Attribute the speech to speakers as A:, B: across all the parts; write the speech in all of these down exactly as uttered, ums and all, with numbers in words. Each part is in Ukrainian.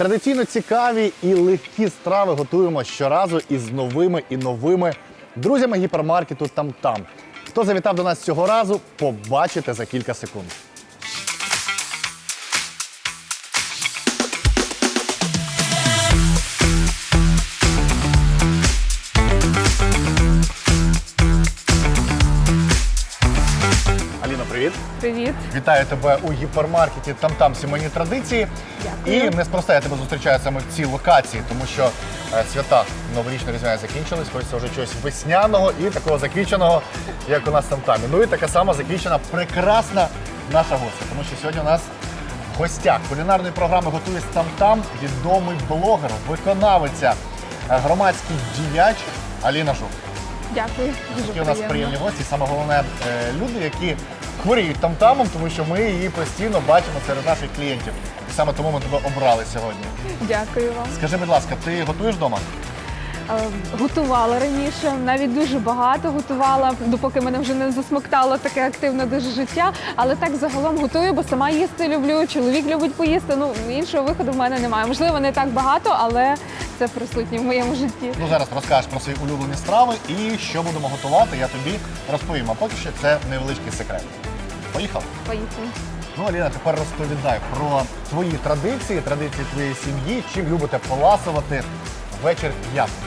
A: Традиційно цікаві і легкі страви готуємо щоразу із новими і новими друзями гіпермаркету «Там-Там». Хто завітав до нас цього разу, побачите за кілька секунд. Аліно, привіт!
B: Привіт.
A: Вітаю тебе у гіпермаркеті «Там-Там. Сімейні традиції».
B: Дякую.
A: І неспроста я тебе зустрічаю саме в цій локації, тому що е, свята новорічно-різдвяні закінчились, хочеться вже чогось весняного і такого заквіченого, як у нас «Там-Там». Ну і така сама заквічена прекрасна наша гостя, тому що сьогодні у нас в гостях кулінарної програми «Готує «Там-Там» відомий блогер, виконавиця, е, громадський діяч Аліна Жук.
B: Дякую. Дуже
A: Такі у нас
B: приємно.
A: приємні гості, саме головне е, люди, які хворіють там-тамом, тому що ми її постійно бачимо серед наших клієнтів. І саме тому ми тебе обрали сьогодні.
B: Дякую вам.
A: Скажи, будь ласка, ти готуєш вдома?
B: Е, Готувала раніше, навіть дуже багато готувала, допоки мене вже не засмоктало таке активне дуже життя. Але так загалом готую, бо сама їсти люблю, чоловік любить поїсти. Ну, іншого виходу в мене немає. Можливо, не так багато, але це присутнє в моєму житті.
A: Ну, зараз розкажеш про свої улюблені страви і що будемо готувати, я тобі розповім. А поки що це невеличкий секрет. Поїхали?
B: Поїхали.
A: Ну, Аліна, тепер розповідай про твої традиції, традиції твоєї сім'ї, чим любите поласувати ввечері п'ятниці.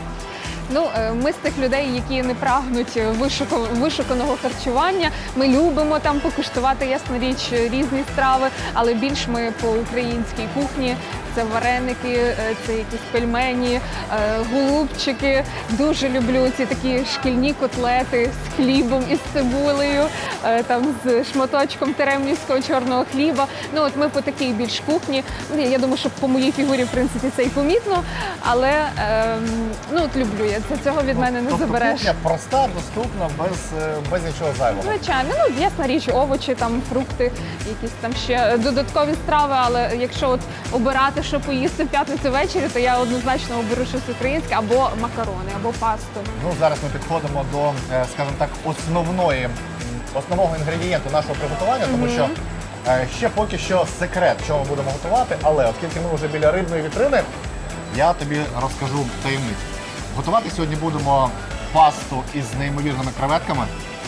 B: Ну, е, ми з тих людей, які не прагнуть вишуку- вишуканого харчування. Ми любимо там покуштувати, ясна річ, різні страви, але більш ми по українській кухні. Це вареники, е, це якісь пельмені, е, голубчики. Дуже люблю ці такі шкільні котлети з хлібом і з цибулею, е, там з шматочком теремнівського чорного хліба. Ну, от ми по такій більш кухні. Ну, Я думаю, що по моїй фігурі, в принципі, це і помітно, але е, ну, от люблю я це. Цього від мене не
A: Тобто
B: забереш.
A: кухня проста, доступна, без, е, без нічого зайвого.
B: Звичайно, ну ясна річ, овочі, там фрукти, якісь там ще додаткові страви. Але якщо от обирати, що поїсти в п'ятницю ввечері, то я однозначно оберу щось українське або макарони, або пасту.
A: Ну, зараз ми підходимо до, е, скажімо так, основної, м, основного інгредієнту нашого приготування, тому що е, ще поки що секрет, що ми будемо готувати, але оскільки ми вже біля рибної вітрини, я тобі розкажу таємницю. Готувати сьогодні будемо пасту із неймовірними креветками.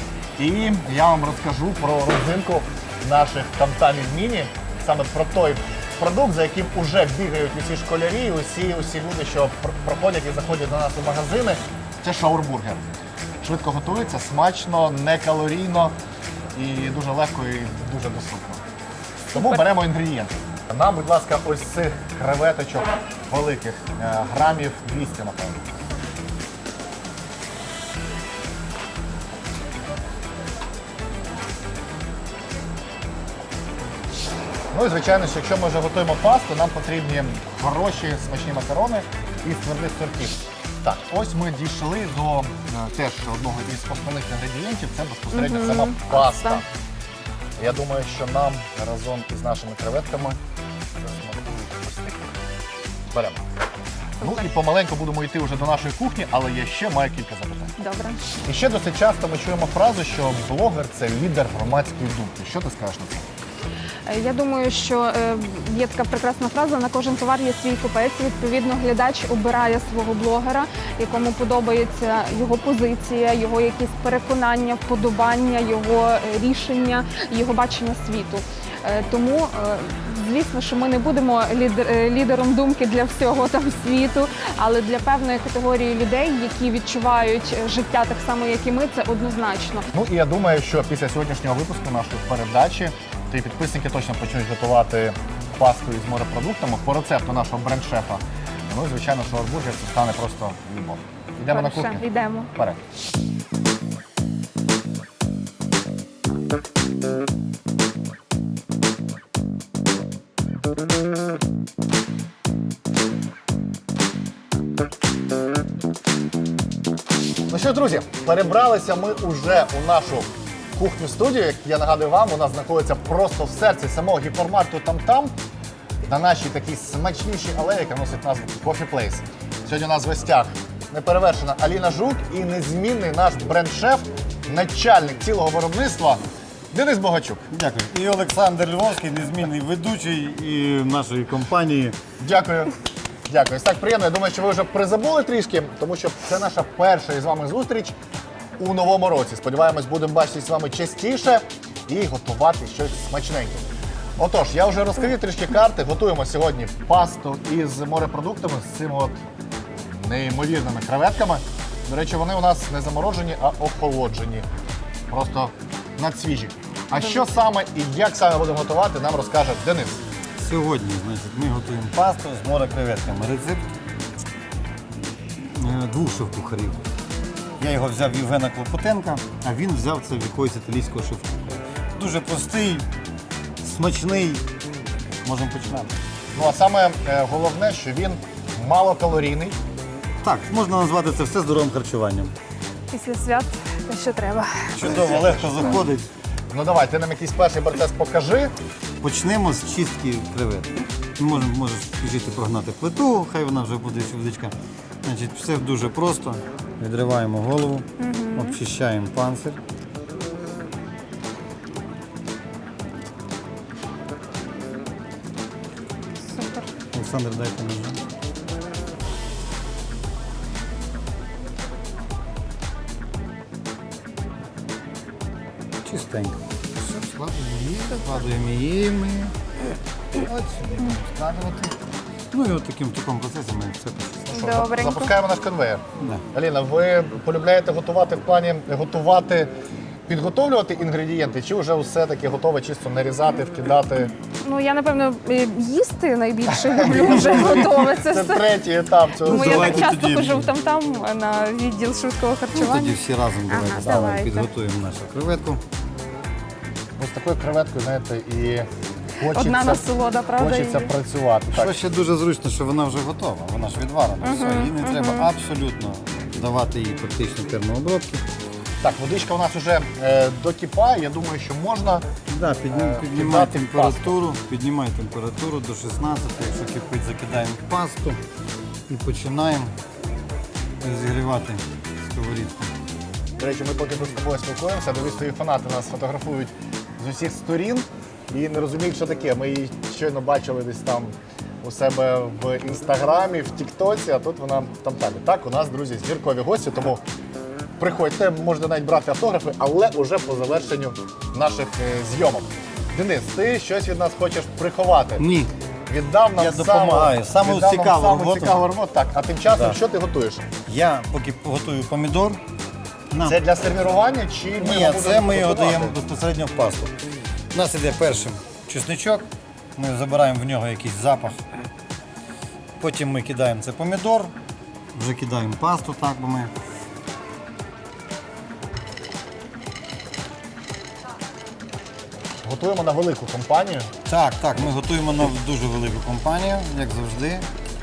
A: І я вам розкажу про родзинку наших там-тамів міні, саме про той продукт, за яким вже бігають усі школярі, усі, усі люди, що пр- проходять і заходять до нас у магазини. Це шаурбургер. Швидко готується, смачно, некалорійно і дуже легко і дуже доступно. Тому беремо інгредієнти. Нам, будь ласка, ось цих креветочок великих, е, грамів двісті, напевно. Ну і звичайно, що якщо ми вже готуємо пасту, нам потрібні хороші смачні макарони із твердих сортів. Так, ось ми дійшли до е, теж одного із основних інгредієнтів, це безпосередньо
B: Мгм.
A: сама паста.
B: Паста.
A: Я думаю, що нам разом із нашими креветками засмакують ось такі. Беремо. Ну і помаленьку будемо йти вже до нашої кухні, але я ще маю кілька запитань.
B: Добре.
A: І ще досить часто ми чуємо фразу, що блогер – це лідер громадської думки. Що ти скажеш на це?
B: Е, Я думаю, що е, є така прекрасна фраза: на кожен товар є свій купець. Відповідно, глядач обирає свого блогера, якому подобається його позиція, його якісь переконання, вподобання, його е, рішення, його бачення світу. Е, Тому, е, звісно, що ми не будемо лідер- е, лідером думки для всього там світу, але для певної категорії людей, які відчувають е, життя так само, як і ми, це однозначно.
A: Ну і я думаю, що після сьогоднішнього випуску нашої передачі твої підписники точно почнуть готувати пасту із морепродуктами по рецепту нашого бренд-шефа. Ну і звичайно, що шаурбургер це стане просто любов. Йдемо на
B: Хорошо,
A: кухню?
B: йдемо.
A: Вперед. Ну що, друзі, перебралися ми уже у нашу кухню-студію. Як я нагадую вам, вона знаходиться просто в серці самого гіпермаркету «Там-Там», на нашій такій смачнішій алеї, яка носить назву Coffee Place. Сьогодні у нас в гостях неперевершена Аліна Жук і незмінний наш бренд-шеф, начальник цілого виробництва Денис Богачук.
C: Дякую. І Олександр Львовський, незмінний ведучий і нашої компанії.
A: Дякую. Дякую. Ось так приємно. Я думаю, що ви вже призабули трішки, тому що це наша перша із вами зустріч у новому році. Сподіваємось, будемо бачитися з вами частіше і готувати щось смачненьке. Отож, я вже розкрив трішки карти. Готуємо сьогодні пасту із морепродуктами, з цими от неймовірними креветками. До речі, вони у нас не заморожені, а охолоджені. Просто надсвіжі. А що саме і як саме будемо готувати, нам розкаже Денис.
C: Сьогодні, значить, ми готуємо пасту з морекреветками. Рецепт е, двох шеф-кухарів. Я його взяв в Євгена Клопотенка, а він взяв це в якогось італійського шеф-кухаря. Дуже простий, смачний. Можемо починати.
A: Ну а саме е, головне, що він малокалорійний.
C: Так, можна назвати це все здоровим харчуванням.
B: Після свят те, що треба.
C: Чудово, легко заходить.
A: Ну давай, ти нам якийсь перший процес покажи.
C: Почнемо з чистки креветки. Можемо, можеш піжити прогнати плиту, хай вона вже буде водичка. Значить, все дуже просто. Відриваємо голову, обчищаємо панцир.
B: Супер.
C: Олександр, дайте мені. Чистенько. Все, складуємо її, складуємо її ми. От сюди будемо складувати. Ну і от таким таким процесом ми все почистимо.
A: Що,
B: Добренько.
A: запускаємо наш конвейер.
C: Да.
A: Аліна, ви полюбляєте готувати в плані готувати, підготовлювати інгредієнти, чи вже все-таки готове чисто нарізати, вкидати?
B: Ну, я, напевно, е, їсти найбільше люблю вже готове це
A: Це
B: все.
A: третій етап цього.
B: Тому я так
C: давайте
B: часто
C: тоді.
B: хожу там-там на відділ швидкого
C: Ну, тоді
B: харчування.
C: всі разом
B: Ага,
C: давайте,
B: давайте.
C: підготуємо нашу креветку.
A: Ось такою креветкою, знаєте, і хочеться,
B: Одна насолода, правда?
A: хочеться
B: і-
A: працювати.
C: Що
A: Так.
C: ще дуже зручно, що вона вже готова, вона ж відварена. Все, їй не треба абсолютно давати їй практично термообробки.
A: так, водичка у нас вже е, докипає, я думаю, що можна.
C: Да, піднім,
A: Е,
C: піднімай
A: кидати
C: температуру, піднімай температуру до шістнадцяти, якщо кипить, закидаємо пасту і починаємо розігрівати сковорідку.
A: До речі, ми поки тут з тобою спілкуємося, дивись, твої фанати нас фотографують з усіх сторін і не розуміють, що таке. Ми її щойно бачили десь там у себе в інстаграмі, в Тіктоці, а тут вона там там. Так, у нас, друзі, зіркові гості, тому приходьте, можете навіть брати автографи, але уже по завершенню наших е, зйомок. Денис, ти щось від нас хочеш приховати?
C: Ні.
A: Віддав нам
C: Я допомагаю.
A: саму,
C: Саму
A: віддав нам
C: цікаву
A: саму
C: роботу.
A: цікаву роботу. Так, а тим часом
C: Да.
A: що ти готуєш?
C: Я поки готую помідор. Нам...
A: Це для сервірування чи ми
C: Ні,
A: його
C: це
A: будемо
C: ми його
A: готувати?
C: даємо безпосередньо в пасту. У нас іде першим чесничок, ми забираємо в нього якийсь запах. Потім ми кидаємо це помідор, вже кидаємо пасту, так бо ми.
A: Готуємо на велику компанію.
C: Так, так, ми готуємо на дуже велику компанію, як завжди.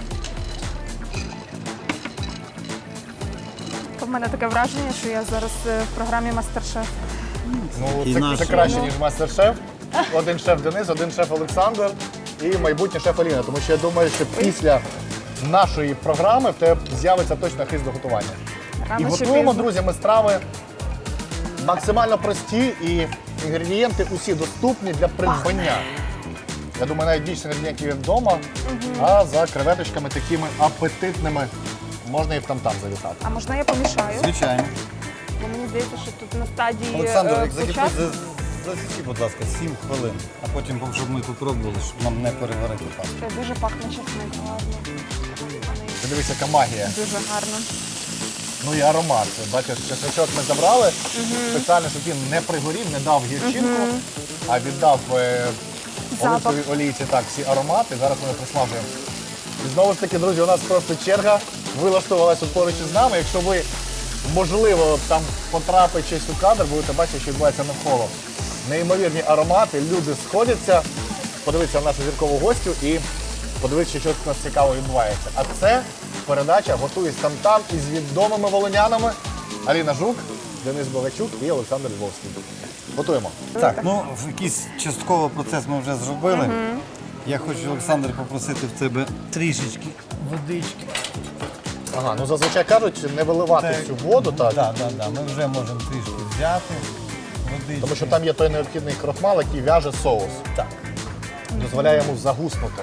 B: У мене таке враження, що я зараз е, в програмі Мастер-шеф.
A: Ну,
C: І
A: це,
C: наш-
A: це краще, ніж мастер-шеф. Один шеф Денис, один шеф Олександр і майбутній шеф Аліна. Тому що я думаю, що після нашої програми в тебе з'явиться точно хист до готування.
B: Рано
A: І
B: чи
A: готуємо,
B: пізно.
A: друзі, ми страви максимально прості і інгредієнти усі доступні для придбання. Я думаю, навіть більше інгредієнтів є вдома, а за креветочками такими апетитними можна і в там-там завітати.
B: А можна я помішаю?
C: Звичайно.
B: Бо мені здається, що тут на стадії
C: Олександр,
B: е,
C: як закипить,
B: початку.
C: за- засічи, будь ласка, сім хвилин, а потім, щоб ми попробували, щоб нам не переварити пасту.
B: Це дуже пахне чесник, гарно.
A: Ти дивись, яка магія.
B: Дуже гарно.
A: Ну і аромат. Бачиш, чесночок ми забрали, спеціально, щоб він не пригорів, не дав гірчинку, а віддав е,
B: Запах.
A: оливковій олійці так, всі аромати. Зараз ми їх присмажуємо. І знову ж таки, друзі, у нас просто черга вилаштувалася поруч із нами. Якщо ви, можливо, там потрапите щось у кадр, будете бачити, що відбувається навколо. Неймовірні аромати, люди сходяться, подивитися на нашу зіркову гостю і подивитися, що тут у нас цікаво відбувається. А це передача «Готуюсь там-там» із відомими волинянами Аліна Жук, Денис Богачук і Олександр Львовський. Готуємо.
C: Так, ну в якийсь частково процес ми вже зробили. Я хочу, Олександр, попросити в тебе трішечки водички.
A: Ага, ну зазвичай кажуть, не виливати
C: Так.
A: цю воду, так?
C: Так, так, так. Ми вже можемо трішки взяти. Водички.
A: Тому що там є той необхідний крохмал, який в'яже соус.
C: Так.
A: Дозволяє йому загуснути.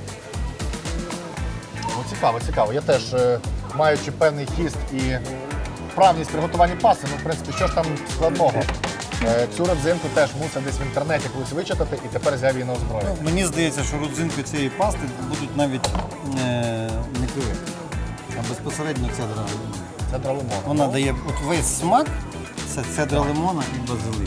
A: Ну, цікаво, цікаво. Я теж, е, маючи певний хіст і вправність приготування пасти, ну, в принципі, що ж там складного? Е, Цю родзинку теж мусив десь в інтернеті колись вичитати і тепер взяв її на озброєння.
C: Ну, мені здається, що родзинки цієї пасти будуть навіть е, не креветки, а безпосередньо цедра лимона.
A: Це лимон.
C: Вона дає от весь смак, це цедра лимона і базилик.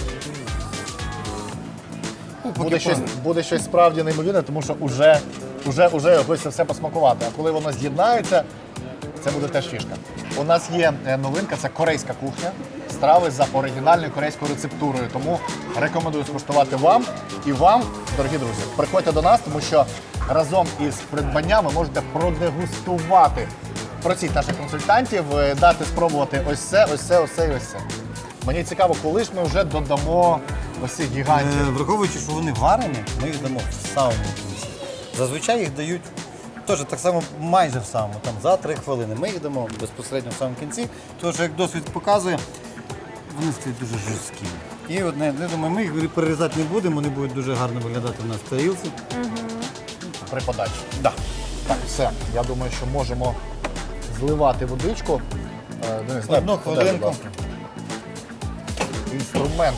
C: Ну, поки
A: Буде щось,
C: про-
A: буде щось справді неймовірне, тому що вже, вже, вже хочеться все посмакувати. А коли воно з'єднається, це буде теж фішка. У нас є е, новинка, це корейська кухня. Страви за оригінальною корейською рецептурою. Тому рекомендую скуштувати вам і вам, дорогі друзі. Приходьте до нас, тому що разом із придбанням ви можете продегустувати. Просіть наших консультантів, е, дати спробувати ось це, ось це, ось це і ось це. Мені цікаво, коли ж ми вже додамо ось цих
C: Е,
A: гігантів.
C: Враховуючи, що вони варені, ми їх дамо в самому кінці. Зазвичай їх дають теж так само майже в самому, там за три хвилини. Ми їх дамо безпосередньо в самому кінці, тому що, як досвід показує, вони стають дуже жорсткі. І одне, я думаю, ми їх перерізати не будемо, вони будуть дуже гарно виглядати в нас в тарілці.
A: При подачі. Да. Так, все. Я думаю, що можемо зливати водичку. Е, Денис, дай,
C: Одну
A: подай,
C: хвилинку.
A: будь ласка. Інструмент.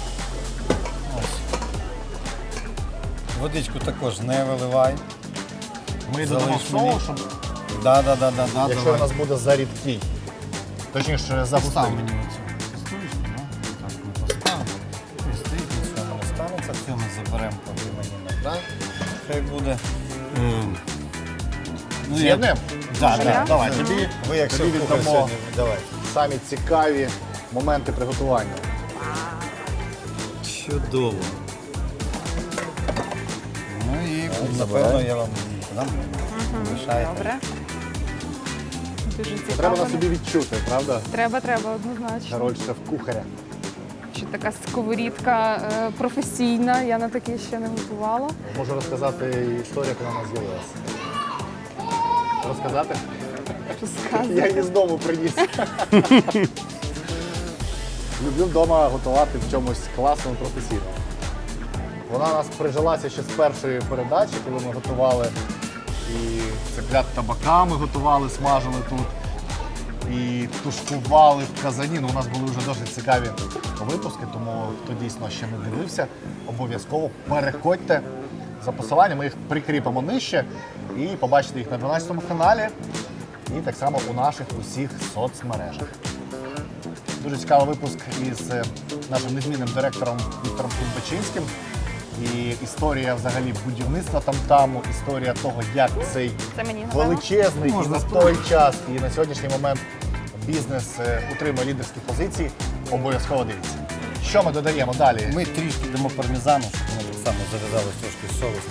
C: Водичку також не виливай.
A: Ми додамо
C: Залиш мені.
A: соус, щоб,
C: Да, да, да, да, да,
A: якщо
C: давай.
A: у нас буде зарідкий. Точніше,
C: Постав
A: загустий.
C: мені оцю каструлечку, да? Так, ми поставимо. І стоїть, нічого не станеться. Все ми заберемо, поки мені на так. Хай буде. Ем, ну,
A: З'єднуємо?
C: Да,
B: Може,
C: да.
B: я?
A: Давай, тобі,
C: Ви як
A: тобі
C: шеф-кухар
A: віддамо
C: сьогодні, давай.
A: самі цікаві моменти приготування.
C: Чудово. Ну і, напевно,
A: забирай.
C: я вам дам. Лишайте.
B: Добре. Дуже
A: Це
B: цікаво.
A: треба на собі відчути, правда?
B: Треба, треба, однозначно.
A: Роль шеф-кухаря.
B: Чи така сковорідка е, професійна, я на такі ще не готувала.
A: Можу розказати історію, як вона у нас з'явилася. Розказати?
B: Розказуй.
A: Я її з дому приніс. Люблю вдома готувати в чомусь класному, професійному. Вона у нас прижилася ще з першої передачі, коли ми готували і цеплят табаками готували, смажили тут. І тушкували в казані. Ну, у нас були вже досить цікаві випуски, тому хто дійсно ще не дивився, обов'язково переходьте за посиланням, ми їх прикріпимо нижче і побачите їх на дванадцятому каналі і так само у наших усіх соцмережах. Дуже цікавий випуск із е, нашим незмінним директором Віктором Кульбачинським. І історія взагалі будівництва там-таму, історія того, як цей
B: Це мені, напевно.
A: величезний і
C: Можна
A: на той час, і на сьогоднішній момент бізнес е, утримує лідерські позиції. Обов'язково дивіться. Що ми додаємо далі?
C: Ми трішки дамо пармезану, щоб воно так само зав'язалось трошки з соусом.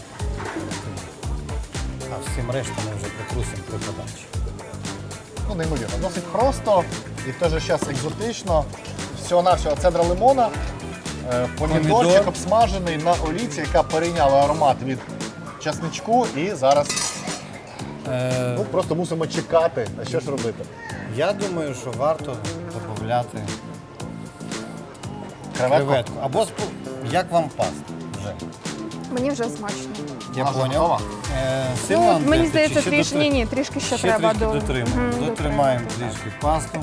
C: А всім решту ми вже притрусимо при подачі.
A: Ну, неймовірно. Досить просто і в той же час екзотично. Всього-навсього цедра лимона, е, помідорчик
C: Помідор.
A: обсмажений на олійці, яка перейняла аромат від часничку. І зараз
C: Е,
A: ну, просто мусимо чекати. А що ж робити?
C: я думаю, що варто додати
A: Креветку?
C: креветку. Або спо- як вам паста вже.
B: Мені вже смачно.
C: Я
A: Вона вже
C: поняв.
A: готова?
C: Е,
B: Ну,
C: сильно
B: от мені
C: антрити,
B: здається,
C: чи ще
B: трішки,
C: дотри-
B: ні, ні, трішки ще,
C: ще
B: треба
C: трішки
B: до...
C: дотримаємо.
B: Мгм,
C: Дотримаємо
B: дотримати.
C: трішки пасту.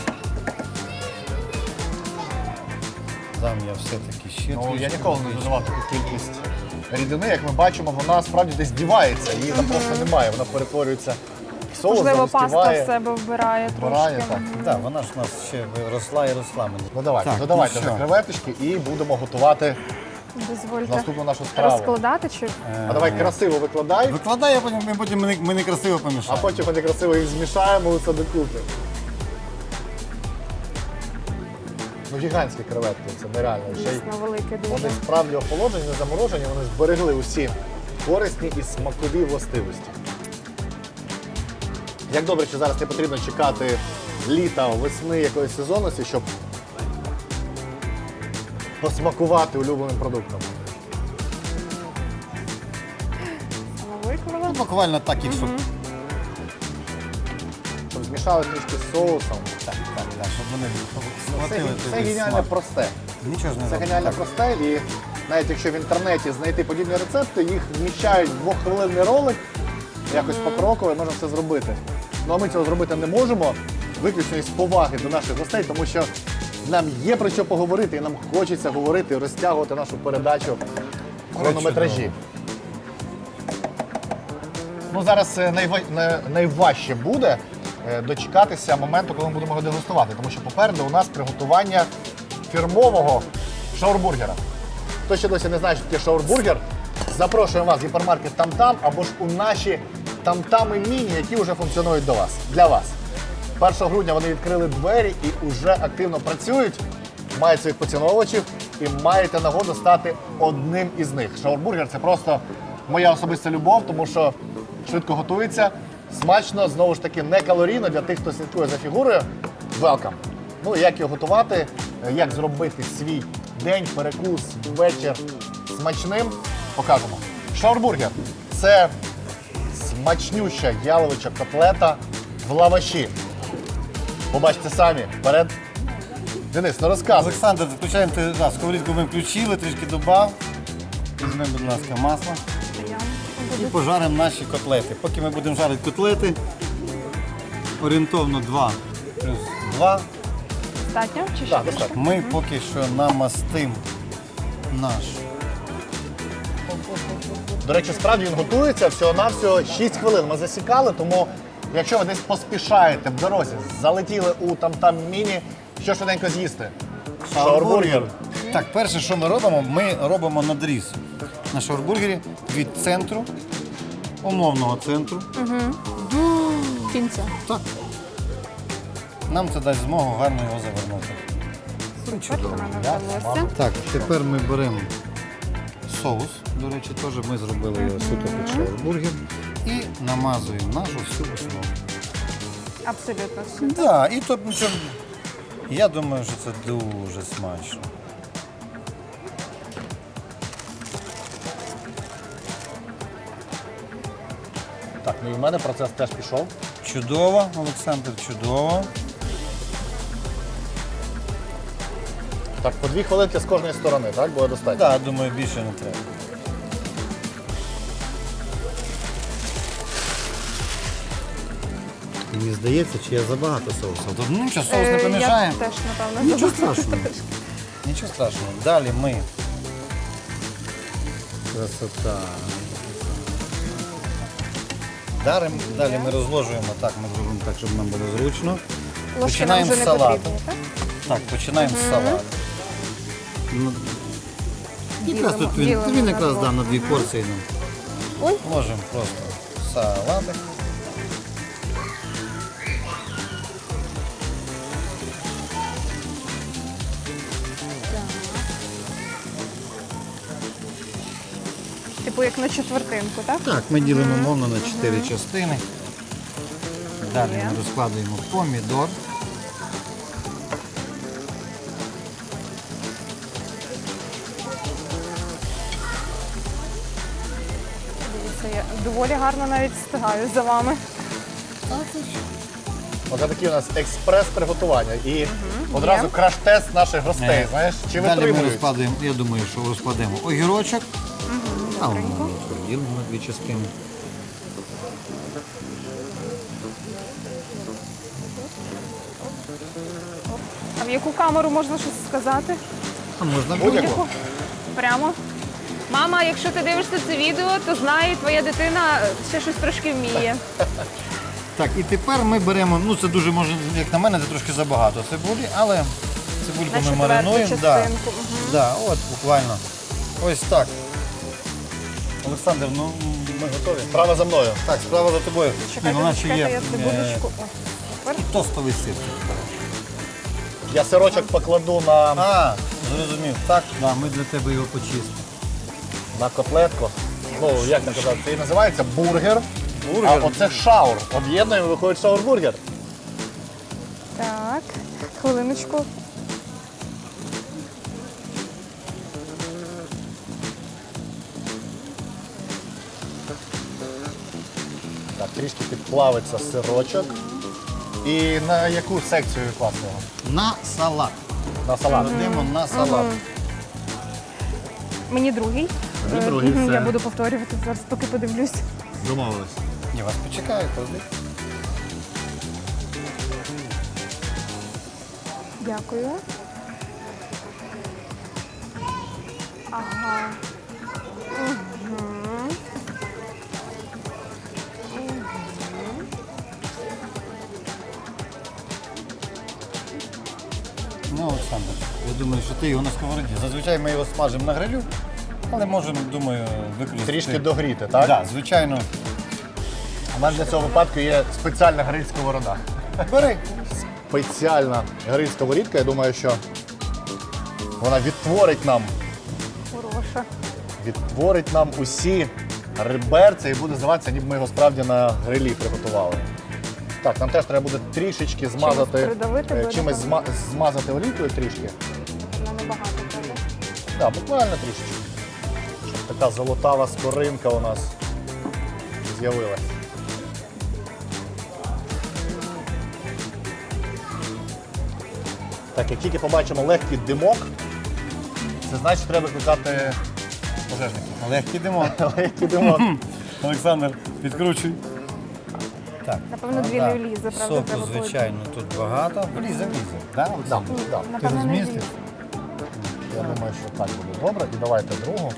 C: Дам я все-таки ще
A: Ну,
C: трішки.
A: я ніколи не додавав таку кількість рідини. Як ми бачимо, вона справді десь дівається. Її там просто немає. Вона перетворюється в соус,
B: Можливо, паста
A: загустіває.
B: в себе вбирає
A: Вбирає,
B: трошки.
A: так.
B: Мгм.
C: Так, вона ж у нас ще росла і росла. мені.
A: Ну давайте,
C: Так,
A: додавайте
C: ну
A: вже
C: що?
A: креветочки і будемо готувати
B: Дозвольте
A: наступну нашу страву.
B: розкладати чи...
A: А давай красиво викладай,
C: Викладай, а потім ми потім ми, не- ми не красиво
A: а
C: помішаємо.
A: потім ми красиво їх змішаємо усе докупи. Ну, гігантські креветки, це нереально. Ще й
B: Дійсно велике дуже.
A: вони справді охолоджені, не заморожені, вони зберегли усі корисні і смакові властивості. Як добре, що зараз не потрібно чекати літа, весни, якоїсь сезонності, щоб посмакувати улюбленим продуктом.
B: Виклала.
C: Ну, буквально так і щоб.
A: Щоб змішали трішки з соусом.
C: Так, так, так, щоб вони
A: Все,
C: схватили
A: все
C: той
A: геніально
C: смак.
A: просте.
C: Нічого ж не
A: Це
C: робимо.
A: геніально
C: Так.
A: просте, і навіть якщо в інтернеті знайти подібні рецепти, їх вміщають в двоххвилинний ролик, якось покроково, можна все зробити. Ну а ми цього зробити не можемо, виключно із поваги до наших гостей, тому що нам є про що поговорити, і нам хочеться говорити, розтягувати нашу передачу в хронометражі. Ну, зараз е, найва... най- найважче буде е, дочекатися моменту, коли ми будемо його дегустувати, тому що попереду у нас приготування фірмового шаурбургера. Хто ще досі не знає, що таке шаурбургер, запрошуємо вас в гіпермаркет Там-Там або ж у наші Там-Тами міні, які вже функціонують до вас, для вас. першого грудня вони відкрили двері і вже активно працюють, мають своїх поціновувачів і маєте нагоду стати одним із них. Шаурбургер – це просто моя особиста любов, тому що швидко готується, смачно, знову ж таки, не калорійно для тих, хто слідкує за фігурою. Welcome! Ну, як його готувати, як зробити свій день, перекус, вечір смачним, покажемо. Шаурбургер – це смачнюща яловича котлета в лаваші. Побачите самі. Вперед. Денис, ну розказуй.
C: Олександр, включаємо ти, да, сковорідку ми включили, трішки додав. Візьмемо, будь ласка, масло і пожаримо наші котлети. Поки ми будемо жарити котлети, орієнтовно два плюс два,
B: Достатньо? Чи ще
A: Так,
B: більше?
A: достатньо.
C: ми поки що намастимо наш.
A: До речі, справді він готується всього-навсього шість хвилин. Ми засікали, тому якщо ви десь поспішаєте в дорозі, залетіли у там-там міні, що швиденько з'їсти? Шаурбургер.
C: Так, перше, що ми робимо, ми робимо надріз на шаурбургері від центру, умовного центру.
B: Кінця.
C: Так. Нам це дасть змогу гарно його завернути.
B: Супер, вона
A: Я
B: вдалося.
C: Так, тепер ми беремо соус. До речі, теж ми зробили його суто під шаурбургер. І намазуємо нашу всю основу.
B: Абсолютно все.
C: Так, да, і тут нічого. Я думаю, що це дуже смачно.
A: Так, ну і в мене процес теж пішов.
C: Чудово, Олександр, чудово.
A: Так, по дві хвилинки з кожної сторони, так? Буде достатньо?
C: Так, думаю, більше не треба. Мені здається, чи я забагато соусу. Тут ну, нічого, соус не
B: Е,
C: помішає.
B: Я теж, напевно,
C: Нічого
B: забула.
C: страшного. Нічого страшного. Далі ми. Красота. Далі, далі ми розложуємо так, ми зробимо так, щоб нам було зручно.
B: Ложки нам
C: Починаємо
B: вже
C: з
B: не
C: салату.
B: потрібні, так?
C: Так, починаємо з салату. Ну, якраз
B: Ділимо-
C: тут він,
B: ділимо
C: він
B: на
C: якраз
B: двох.
C: да, на дві порції. Ну.
B: Ой.
C: Можемо просто салатик.
B: Типу як на четвертинку, так?
C: Так, ми ділимо мовно на чотири частини. Далі
B: Є.
C: ми розкладуємо помідор.
B: Дивіться, я доволі гарно навіть встигаю за вами.
A: Оце такі у нас експрес-приготування. І одразу краш-тест наших гостей,
C: Е,
A: знаєш, чи
C: Далі ми
A: витримують.
C: розкладуємо, я думаю, що розкладемо огірочок. А воно розділимо на дві частини.
B: А в яку камеру можна щось сказати?
C: А можна
A: Будь-яку.
B: Яку? Прямо. Мама, якщо ти дивишся це відео, то знай, твоя дитина ще щось трошки вміє.
C: Так, і тепер ми беремо, ну це дуже може, як на мене, це трошки забагато цибулі, але цибульку
B: На
C: ми
B: четверту
C: маринуємо. Да,
B: частинку. Мгм.
C: да, от буквально. Ось так. Олександр, ну
A: Ми готові. Справа за мною.
C: так, справа за тобою.
B: Чекайте,
C: ну, наче
B: чекайте,
C: є,
B: я
C: е,
B: цибулечку. О, супер.
C: тостовий сир.
A: Я сирочок покладу на,
C: А, зрозумів. Так, да, ми для тебе його почистимо.
A: на котлетку. Ну, як не казати, це і називається бургер.
C: Бургер.
A: А оце шаур. Об'єднуємо, виходить шаурбургер.
B: Так, хвилиночку.
A: Так, трішки підплавиться сирочок. І на яку секцію класти його?
C: На салат.
A: На салат.
C: Кладемо на салат.
B: Мені другий.
A: Тобі
B: Е,
A: другий,
B: мгм,
A: все.
B: Я буду повторювати зараз, поки подивлюсь.
A: Домовились.
C: Ні, вас почекаю, клади.
B: Дякую. Ага.
C: Ну, Олександр, я думаю, що ти його на сковороді. Зазвичай ми його смажимо на грилю, але можемо, думаю, використати.
A: Трішки догріти, так?
C: Так, звичайно.
A: У мене для цього випадку є спеціальна гриль сковорода.
C: Бери.
A: Спеціальна гриль сковорідка, я думаю, що вона відтворить нам,
B: Хороша.
A: відтворить нам усі реберця і буде здаватися, ніби ми його справді на грилі приготували. Так, нам теж треба буде трішечки змазати,
B: придавити
A: е,
B: буде,
A: чимось
B: так?
A: зма- змазати олійкою трішки.
B: Вона небагато треба.
A: Так, буквально трішечки. Щоб така золотава скоринка у нас з'явилась. Так, як тільки побачимо легкий димок, це значить, треба викликати пожежників.
C: Легкий димон.
A: Легкий димок.
C: Олександр, підкручуй. Так.
B: Напевно, дві
C: да.
B: не влізе, правда,
C: Соку,
B: треба
C: звичайно, тут багато. Влізе, влізе. Да,
A: Да,
C: Олександр?
A: да.
C: Ти
B: Напевно, не
C: розмістиш?
A: Я думаю, що так буде добре. І давайте другу.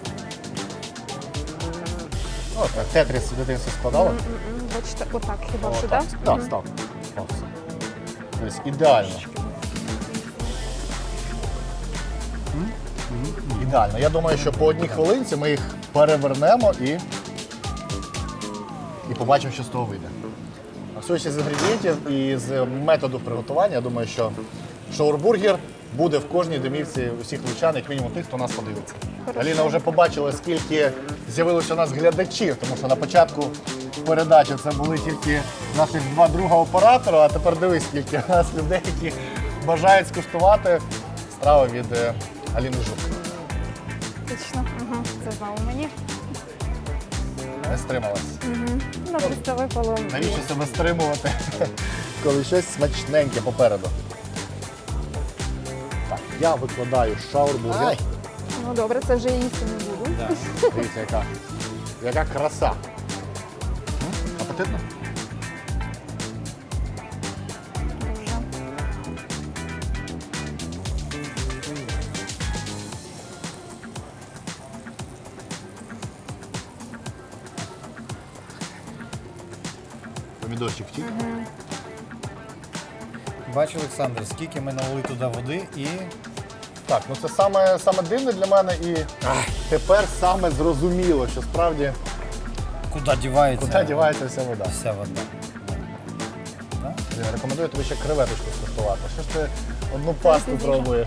A: О, так, тетріс в дитинстві складали.
B: М-м-м, Бачите, отак хіба
A: О,
B: що,
A: так,
B: так?
A: так, став. Став все. Тобто ідеально. Ідеально. Я думаю, що по одній хвилинці ми їх перевернемо і, і побачимо, що з того вийде. А судячи з інгредієнтів і з методу приготування, я думаю, що шаурбургер буде в кожній домівці усіх лучан, як мінімум тих, хто нас подивиться.
B: Хорошо.
A: Аліна вже побачила, скільки з'явилося у нас глядачів, тому що на початку передачі це були тільки наші два друга оператора, а тепер дивись, скільки у нас людей, які бажають скуштувати страву від е, Аліни Жук.
B: Точно. Угу. Це знову мені.
A: Не стрималась.
B: Угу. Ну, просто випало.
A: Навіщо себе стримувати, коли щось смачненьке попереду? Так, я викладаю шаурбургер.
C: Ай.
B: Ну добре, це вже я їсти не буду.
C: Да.
A: Дивіться, яка, яка краса. М? Апетитно?
B: Дуже.
A: Помідорчик втік.
C: Бачу, Олександр, скільки ми налили туди води і
A: Так, ну це саме, саме дивне для мене і тепер саме зрозуміло, що справді
C: куди дівається,
A: куди дівається вся вода.
C: вся вода. Да?
A: Я рекомендую тобі ще креветочку скуштувати. Що ж ти одну пасту
B: Дуже.
A: пробуєш?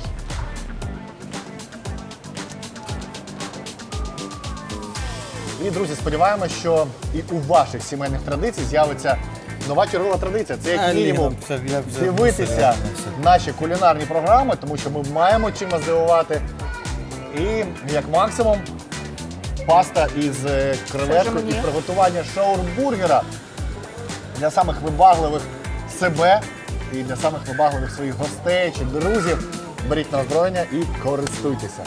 A: І, друзі, сподіваємося, що і у ваших сімейних традицій з'явиться нова чергова традиція. Це як
C: Аліна,
A: мінімум
C: це я вже
A: дивитися
C: серйозно все.
A: наші кулінарні програми, тому що ми маємо чим вас здивувати. І як максимум паста із е, креветкою
B: мені?
A: і приготування шаурбургера для самих вибагливих себе і для самих вибагливих своїх гостей чи друзів. Беріть на озброєння і користуйтеся.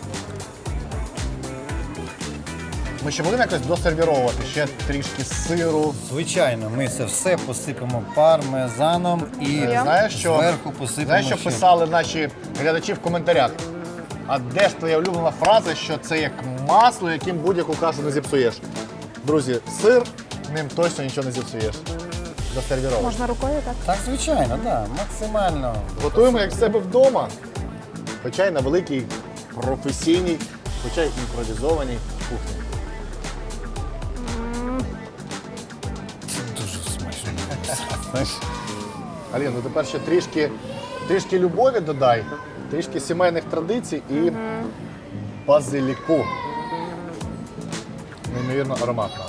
A: Ми ще будемо якось досервіровувати ще трішки сиру.
C: Звичайно, ми це все посипемо пармезаном і
A: Е, Знаєш, що,
C: зверху посипемо
A: знаєш, що
C: ще.
A: писали наші глядачі в коментарях? А де ж твоя улюблена фраза, що це як масло, яким будь-яку кашу не зіпсуєш? Друзі, сир, ним точно нічого не зіпсуєш. Досервіровуємо.
B: Можна рукою, так?
C: Так, звичайно, так, максимально.
A: Готуємо як в себе вдома. Хоча й на великій професійній, хоча й імпровізованій кухні.
C: Це дуже смачно. Знаєш?
A: Алін, ну тепер ще трішки, трішки любові додай, трішки сімейних традицій і базиліку. Неймовірно ароматно.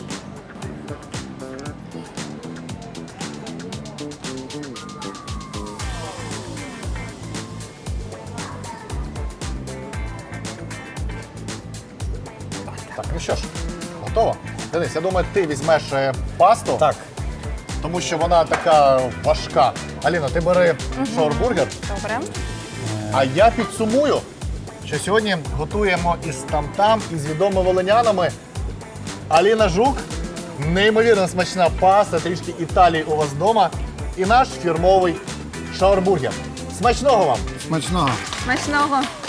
A: Так, ну що ж, готово? Денис, я думаю, ти візьмеш е, пасту.
C: Так,
A: Тому що вона така важка. Аліна, ти бери шаурбургер.
B: Добре.
A: А я підсумую, що сьогодні готуємо із там-там, із відомими волинянами. Аліна Жук, неймовірно смачна паста, трішки Італії у вас вдома. І наш фірмовий шаурбургер. Смачного вам!
C: Смачного!
B: Смачного!